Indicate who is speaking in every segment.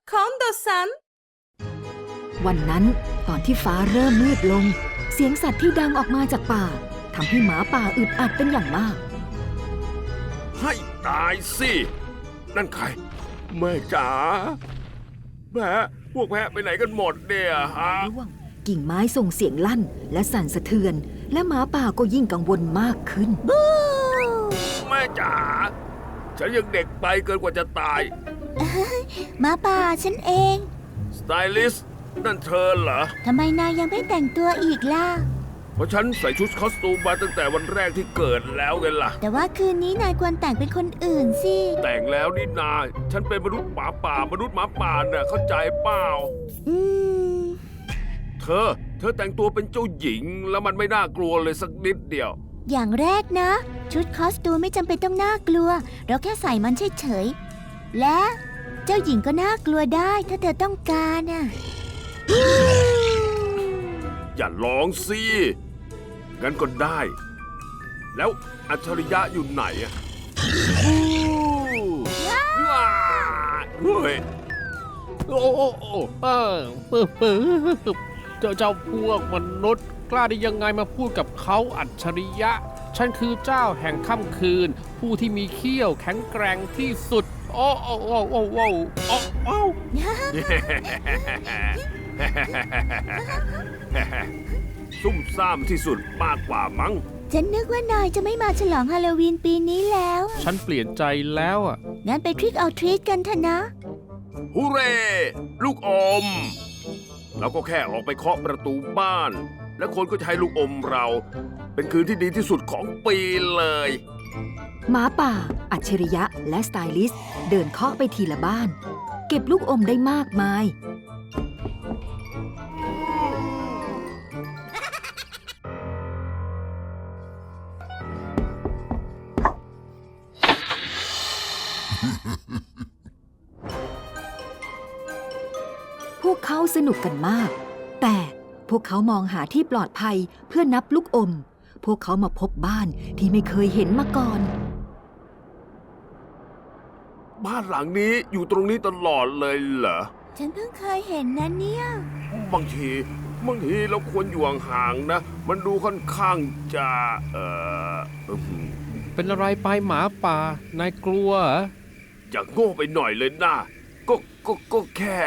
Speaker 1: 今度さん
Speaker 2: วันนั้นตอนที่ฟ้าเริ่มมืดลงเสียงสัตว์ที่ดังออกมาจากป่าทำให้หมาป่าอึดอัดเป็นอย่างมาก
Speaker 3: ให้ตายสินั่นใครแม่จ๋าแพะพวกแพะไปไหนกันหมดเนี่ยฮะ
Speaker 2: ร่วงกิ่งไม้ส่งเสียงลั่นและสั่นสะเทือนและหมาป่าก็ยิ่งกังวลมากขึ้น
Speaker 3: แม่จ๋าฉันยังเด็กไปเกินกว่าจะตาย
Speaker 4: หมาป่าฉันเอง
Speaker 3: สไตลิสต์นั่นเธอเหรอ
Speaker 4: ทำไมนายยังไม่แต่งตัวอีกล่ะ
Speaker 3: เพราะฉันใส่ชุดคอสตูมมาตั้งแต่วันแรกที่เกิดแล้วไงล่ะ
Speaker 4: แต่ว่าคืนนี้นายควรแต่งเป็นคนอื่นสิ
Speaker 3: แต่งแล้วนี่นาฉันเป็นมนุษย์หมาป่ามนุษย์หมาป่าน่ะเข้าใจเปล่า
Speaker 4: อืม
Speaker 3: เธอแต่งตัวเป็นเจ้าหญิงแล้วมันไม่น่ากลัวเลยสักนิดเดียว
Speaker 4: อย่างแรกนะ ชุดคอสตูมไม่จำเป็นต้องน่ากลัว เราแค่ใส่มันเฉยๆและเจ้าหญิงก็น่ากลัวได้ถ้าเธอต้องการน่ะ
Speaker 3: อย่าร้องสิงั้นก็ได้ แล้วอัจฉริยะอยู่ไหนอะว้าเฮ้ย
Speaker 5: โอ้โอ้โอ้เจ้าพวกมนุษย์กล้าได้ยังไงมาพูดกับเขาอัจฉริยะ ฉันคือเจ้าแห่งค่ำคืน ผู้ที่มีเขี้ยวแข็งแกร่งที่สุด โอ้โอ้โอ้โอ้โอ้โอ้โอ้
Speaker 3: ซุ่มซ่ามที่สุดมากกว่ามั้ง
Speaker 4: ฉันนึกว่านายจะไม่มาฉลองฮาโลวีนปีนี้แล้ว
Speaker 5: ฉันเปลี่ยนใจแล้วอ่ะ
Speaker 4: งั้นไปทริกเอาทรีตกันเถอะนะ
Speaker 3: ฮูเร่ ลูกอม เราก็แค่ออกไปเคาะประตูบ้าน และคนก็จะให้ลูกอมเรา เป็นคืนที่ดีที่สุดของปีเลย
Speaker 2: หมาป่าอัจฉริยะและสไตลิสต์เดินเคาะไปทีละบ้านเก็บลูกอมได้มากมายพวกเขาสนุกกันมาก แต่พวกเขามองหาที่ปลอดภัยเพื่อนับลูกอม พวกเขามาพบบ้านที่ไม่เคยเห็นมาก่อน
Speaker 3: บ้านหลังนี้อยู่ตรงนี้ตลอดเลยเหรอ
Speaker 4: ฉันเพิ่งเคยเห็นนะเนี่ย
Speaker 3: บางทีเราควรอยู่ห่างๆนะ มันดูค่อนข้างจะ
Speaker 5: เป็นอะไรไปหมาป่านายกลัวเหรอ
Speaker 3: อย่าโง่ไปหน่อยเลยนะก็แค่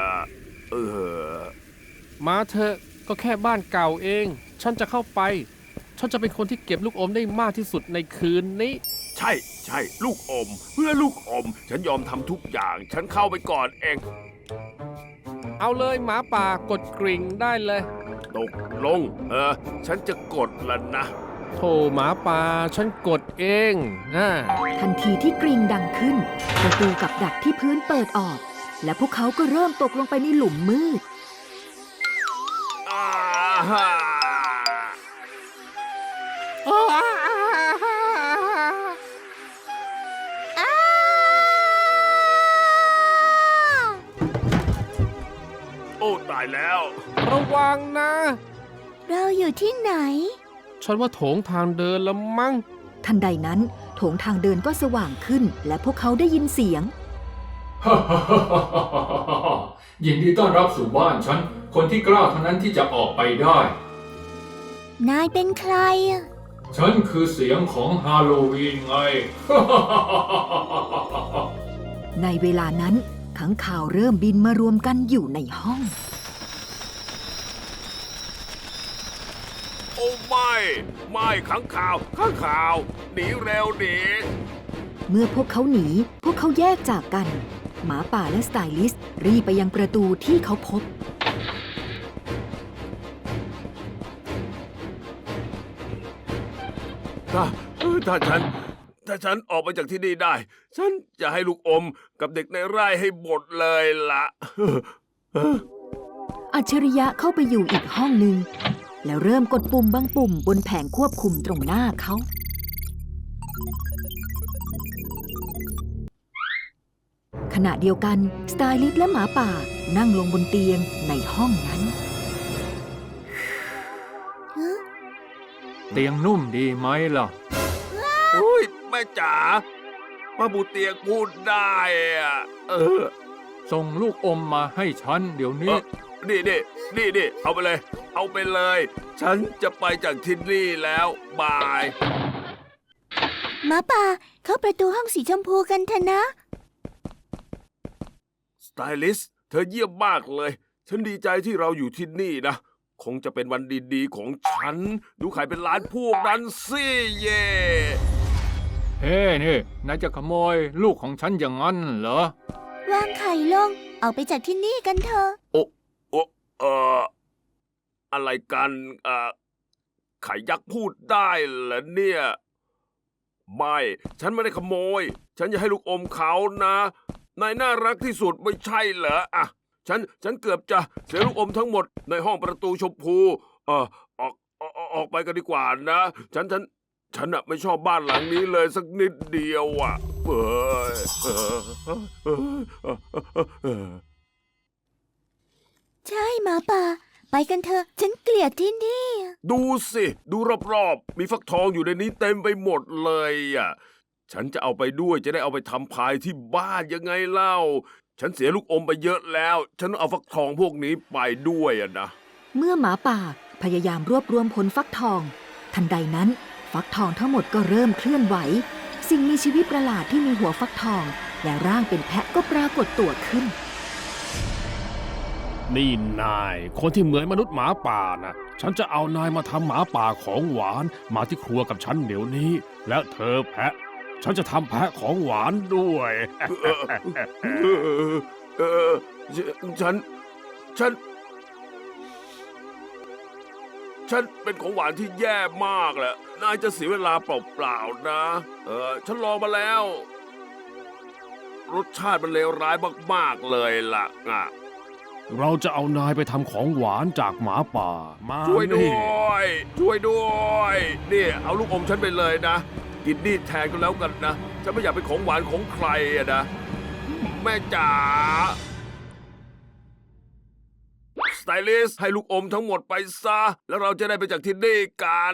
Speaker 5: มาเถอะก็แค่บ้านเก่าเอง ฉันจะเข้าไป ฉันจะเป็นคนที่เก็บลูกอมได้มากที่สุดในคืนนี้
Speaker 3: ใช่ลูกอม เพื่อลูกอม ฉันยอมทำทุกอย่าง ฉันเข้าไปก่อนเอง
Speaker 5: เอาเลยหมาป่ากดกริ่งได้เลย
Speaker 3: ตกลงฉันจะกดแล้วนะ
Speaker 5: โธ่หมาป่าฉันกดเองนะ
Speaker 2: ทันทีที่กริ่งดังขึ้นประตูกับดักที่พื้นเปิดออก และพวกเขาก็เริ่มตกลงไปในหลุมมืด
Speaker 3: อาฮ่าโอ้ตายแล้ว
Speaker 5: ระวังนะ
Speaker 4: เราอยู่ที่ไหน
Speaker 5: ฉันว่าโถงทางเดินละมั้ง
Speaker 2: ทันใดนั้นโถงทางเดินก็สว่างขึ้น และพวกเขาได้ยินเสียง
Speaker 6: ยินดีต้อนรับสู่บ้านฉัน คนที่กล้าเท่านั้นที่จะออกไปได้
Speaker 4: นายเป็นใครอะ
Speaker 6: ฉันคือเสียงของฮาโลวีนไง
Speaker 2: ในเวลานั้นขังข่าวเริ่มบินมารวมกันอยู่ในห้อง
Speaker 3: โอ้ไม่ขังข่าวหนีเร็วหนี
Speaker 2: เมื่อพวกเขาหนีพวกเขาแยกจากกัน หมาป่าและสไตลิสต์รีบไปยังประตูที่เขาพบ
Speaker 3: ถ้าฉันออกไปจากที่นี่ได้ ฉันจะให้ลูกอมกับเด็กในไร่ให้หมดเลยล่ะ
Speaker 2: อัจฉริยะเข้าไปอยู่อีกห้องหนึ่งแล้วเริ่มกดปุ่มบางปุ่มบนแผงควบคุมตรงหน้าเขา ขณะเดียวกันสไตลิสต์และหมาป่านั่งลงบนเตียงในห้องนั้น
Speaker 6: เตียงนุ่มดีไหมล่ะ
Speaker 3: อุ้ยแม่จ๋าป้าบูเตียงพูดได้อะ
Speaker 6: ส่งลูกอมมาให้ฉันเดี๋ยวนี้
Speaker 3: นี่ เอาไปเลย เอาไปเลย ฉันจะไปจากที่นี่แล้ว บาย
Speaker 4: หมาป่าเข้าประตูห้องสีชมพูกันเถอะนะ
Speaker 3: สไตลิสต์เธอเยี่ยมมากเลย ฉันดีใจที่เราอยู่ที่นี่นะ คงจะเป็นวันดีๆของฉัน ดูไข่เป็นล้านพวกนั้นสิเย่
Speaker 6: เฮ้นี่นายจะขโมยลูกของฉันอย่างนั้นเหรอ
Speaker 4: วางไข่ลง ออกไปจากที่นี่กันเถอะ
Speaker 3: โอ้อะไรกันไข่ยักษ์พูดได้เหรอเนี่ย ไม่ ฉันไม่ได้ขโมย ฉันจะให้ลูกอมเขานะ นายน่ารักที่สุดไม่ใช่เหรออ่ะฉันเกือบจะเสียลูกอมทั้งหมดในห้องประตูชมพูออกไปกันดีกว่านะ ฉันน่ะไม่ชอบบ้านหลังนี้เลยสักนิดเดียวอ่ะ
Speaker 4: ใช่หมาป่า ไปกันเถอะ ฉันเกลียดที่นี่
Speaker 3: ดูสิ ดูรอบๆ มีฟักทองอยู่ในนี้เต็มไปหมดเลยอ่ะ ฉันจะเอาไปด้วยจะได้เอาไปทำพายที่บ้านยังไงเล่า ฉันเสียลูกอมไปเยอะแล้ว ฉันต้องเอาฟักทองพวกนี้ไปด้วยอ่ะนะ
Speaker 2: เมื่อหมาป่าพยายามรวบรวมผลฟักทอง ทันใดนั้น ฟักทองทั้งหมดก็เริ่มเคลื่อนไหว สิ่งมีชีวิตประหลาดที่มีหัวฟักทอง และร่างเป็นแพะก็ปรากฏตัวขึ้น
Speaker 5: นี่นาย คนที่เหมือนมนุษย์หมาป่านะฉันจะเอานายมาทำหมาป่าของหวานมาที่ครัวกับฉันเดี๋ยวนี้ แล้วเธอแพะ ฉันจะทำแพะของหวานด้วย
Speaker 3: ฉันเป็นของหวานที่แย่มากแหละ นายจะเสียเวลาเปล่าๆนะ ฉันลองมาแล้ว รสชาติมันเลวร้ายมากๆเลยล่ะอ่ะ
Speaker 5: เราจะเอานายไปทำของหวานจากหมาป่ามา
Speaker 3: ช่วยด้
Speaker 5: นี่
Speaker 3: วยช่วยด้วยนี่เอาลูกอมฉันไปเลยนะ กินนี่แทนก็แล้วกันนะ ฉันไม่อยากเป็นของหวานของใครอะนะ แม่จ๋าสไตลิสต์ให้ลูกอมทั้งหมดไปซะ แล้วเราจะได้ไปจากที่นี่กัน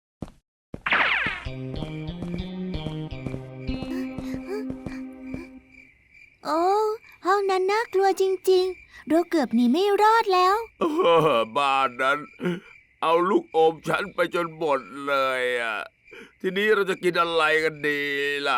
Speaker 4: โอ้ห้องนั้นน่ากลัวจริงๆ เราเกือบหนีไม่รอดแล้ว
Speaker 3: บ้านนั้น เอาลูกอมฉันไปจนหมดเลยอ่ะ ทีนี้เราจะกินอะไรกันดีล่ะ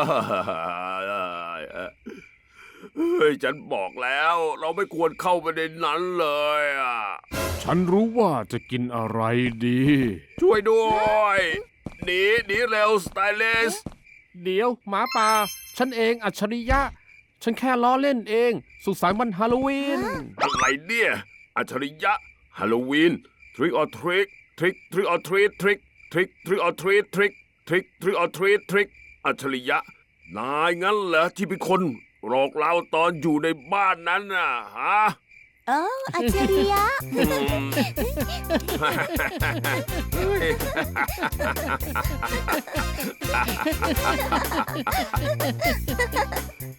Speaker 3: เฮ้ยฉันบอกแล้ว เราไม่ควรเข้าไปในนั้นเลยอ่ะ
Speaker 5: ฉันรู้ว่าจะกินอะไรดี
Speaker 3: ช่วยด้วยหนีเร็วสไตลิสต์
Speaker 5: เดี๋ยวหมาป่า ฉันเองอัจฉริยะ ฉันแค่ล้อเล่นเอง สุขสันต์วันฮาโลวีน
Speaker 3: อะไรเนี่ยอัจฉริยะฮาโลวีน trick or treat trick or treat trick or treat trick or treat trick อัจฉริยะ นายงั้นเหรอที่เป็นคนหลอกเราตอนอยู่ในบ้านนั้นน่ะฮะ
Speaker 4: โอ้อัจฉริยะ
Speaker 3: เ